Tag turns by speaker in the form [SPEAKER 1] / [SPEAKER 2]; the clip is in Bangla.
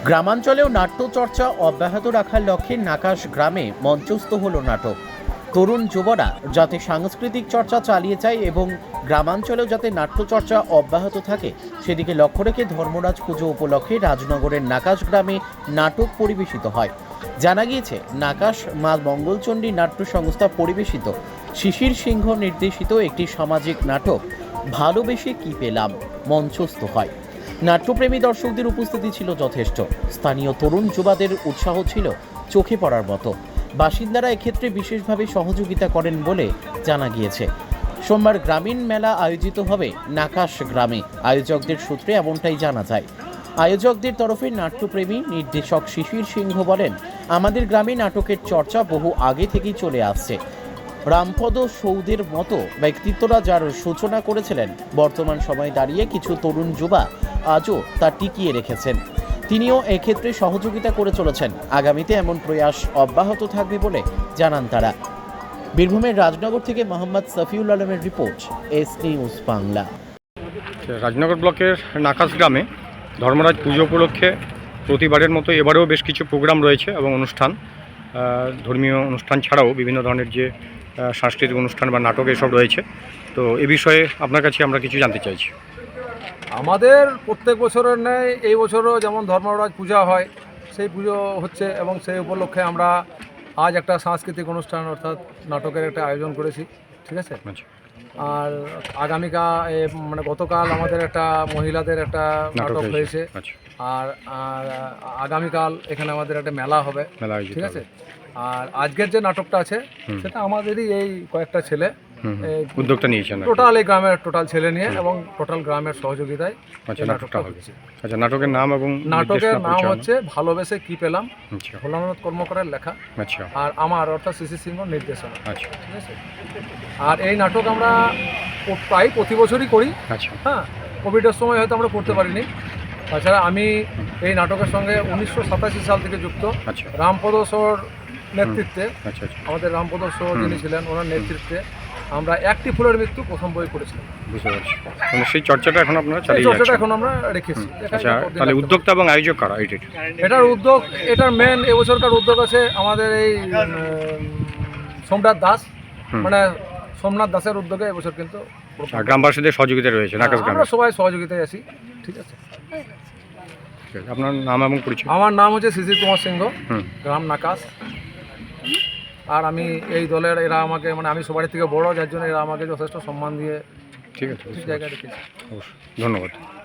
[SPEAKER 1] গ্রামাঞ্চলেও নাট্যচর্চা অব্যাহত রাখার লক্ষ্যে নাকাশ গ্রামে মঞ্চস্থ হলো নাটক। তরুণ যুবরা যাতে সাংস্কৃতিক চর্চা চালিয়ে যায় এবং গ্রামাঞ্চলেও যাতে নাট্যচর্চা অব্যাহত থাকে সেদিকে লক্ষ্য রেখে ধর্মরাজ পুজো উপলক্ষে রাজনগরের নাকাশ গ্রামে নাটক পরিবেশিত হয়। জানা গিয়েছে, নাকাশ মা মঙ্গলচণ্ডী নাট্য সংস্থা পরিবেশিত শিশির সিংহ নির্দেশিত একটি সামাজিক নাটক ভালোবেসে কি পেলাম মঞ্চস্থ হয়। নাট্যপ্রেমী দর্শকদের উপস্থিতি ছিল যথেষ্ট। স্থানীয় তরুণ যুবাদের উৎসাহ ছিল চোখে পড়ার মতো। বাসিন্দারা এক্ষেত্রে বিশেষভাবে সহযোগিতা করেন বলে জানা গিয়েছে। সোমবার গ্রামীণ মেলা আয়োজিত হবে নাকাশ গ্রামে। আয়োজকদের সূত্রে এমনটাই জানা যায়। আয়োজকদের তরফে নাট্যপ্রেমী নির্দেশক শিশির সিংহ বলেন, আমাদের গ্রামে নাটকের চর্চা বহু আগে থেকেই চলে আসছে। রামপদ সৌদের মতো ব্যক্তিত্বরা যার সূচনা করেছিলেন, বর্তমান সময়ে দাঁড়িয়ে কিছু তরুণ যুবা আজও তা টিকিয়ে রেখেছেন। তিনিও এক্ষেত্রে সহযোগিতা করে চলেছেন। আগামীতে এমন প্রয়াস অব্যাহত থাকবে বলে জানান তারা। বীরভূমের রাজনগর থেকে মোহাম্মদ সফিউল আলমের report, S news Bangla.
[SPEAKER 2] Rajnagar ব্লকের নাকাশ গ্রামে ধর্মরাজ পুজো উপলক্ষে প্রতিবারের মতো এবারেও বেশ কিছু প্রোগ্রাম রয়েছে এবং অনুষ্ঠান, ধর্মীয় অনুষ্ঠান ছাড়াও বিভিন্ন ধরনের যে সাংস্কৃতিক অনুষ্ঠান বা নাটক এসব রয়েছে। তো এ বিষয়ে আপনার কাছে আমরা কিছু জানতে চাইছি।
[SPEAKER 3] আমাদের প্রত্যেক বছরের ন্যায় এই বছরও যেমন ধর্মরাজ পূজা হয়, সেই পুজো হচ্ছে এবং সেই উপলক্ষে আমরা আজ একটা সাংস্কৃতিক অনুষ্ঠান অর্থাৎ নাটকের একটা আয়োজন করেছি। ঠিক আছে। আর আগামীকাল মানে গতকাল আমাদের একটা মহিলাদের একটা নাটক হয়েছে। আর আগামীকাল এখানে আমাদের একটা মেলা হবে। ঠিক আছে। আর আজকের যে নাটকটা আছে সেটা আমাদেরই এই কয়েকটা ছেলে
[SPEAKER 2] উদ্যোগটা নিয়েছেন,
[SPEAKER 3] টোটাল এই গ্রামের টোটাল ছেলে নিয়ে এবং টোটাল গ্রামের সহযোগিতায়
[SPEAKER 2] নাটকটা হচ্ছে। আচ্ছা, নাটকের নাম এবং
[SPEAKER 3] নাটকের নাম হচ্ছে ভালোবেসে কি পেলাম, ভোলানাথ কর্মকারের লেখা।
[SPEAKER 2] আচ্ছা।
[SPEAKER 3] আর আমার অর্থাৎ শিশির সিংহ নির্দেশনা।
[SPEAKER 2] আচ্ছা,
[SPEAKER 3] ঠিক আছে। আর এই নাটক আমরা প্রায় প্রতি বছরই করি।
[SPEAKER 2] আচ্ছা।
[SPEAKER 3] হ্যাঁ, কোভিডের সময় হয়তো আমরা করতে পারিনি। তাছাড়া আমি এই নাটকের সঙ্গে 1987 সাল থেকে যুক্ত।
[SPEAKER 2] আচ্ছা।
[SPEAKER 3] রামপদ সর নেতৃত্বে,
[SPEAKER 2] আচ্ছা,
[SPEAKER 3] আমাদের রামপদ সর যিনি ছিলেন ওনার নেতৃত্বে আমরা একটি ফুলের মৃত্যু প্রথম বই করেছিলাম।
[SPEAKER 2] বুঝতে পারছি। মানে সেই চর্চাটা এখন আপনারা চালিয়ে যাচ্ছেন।
[SPEAKER 3] চর্চাটা এখন আমরা রেখেছি।
[SPEAKER 2] আচ্ছা, তাহলে উদ্যোক্তা এবং আয়োজক কারা?
[SPEAKER 3] এটার উদ্যোগ, এটার মেন এবছরকার উদ্যোগ আছে আমাদের এই সোমনাথ দাস, মানে সোমনাথ দাসের উদ্যোগে এবছর কিন্তু
[SPEAKER 2] গ্রামবাসীদের সহযোগিতা রয়েছে।
[SPEAKER 3] আমরা সবাই সহযোগিতায় আছি। ঠিক আছে।
[SPEAKER 2] আপনার নাম এবং পরিচয়?
[SPEAKER 3] আমার নাম হচ্ছে শিশির কুমার সিংহ, গ্রাম নাকাশ। আর আমি এই দলের, এরা আমাকে মানে আমি সবার থেকে বড়, যার জন্য এরা আমাকে যথেষ্ট সম্মান দিয়ে
[SPEAKER 2] ঠিক আছে
[SPEAKER 3] জায়গায় রেখেছে।
[SPEAKER 2] অবশ্যই, ধন্যবাদ।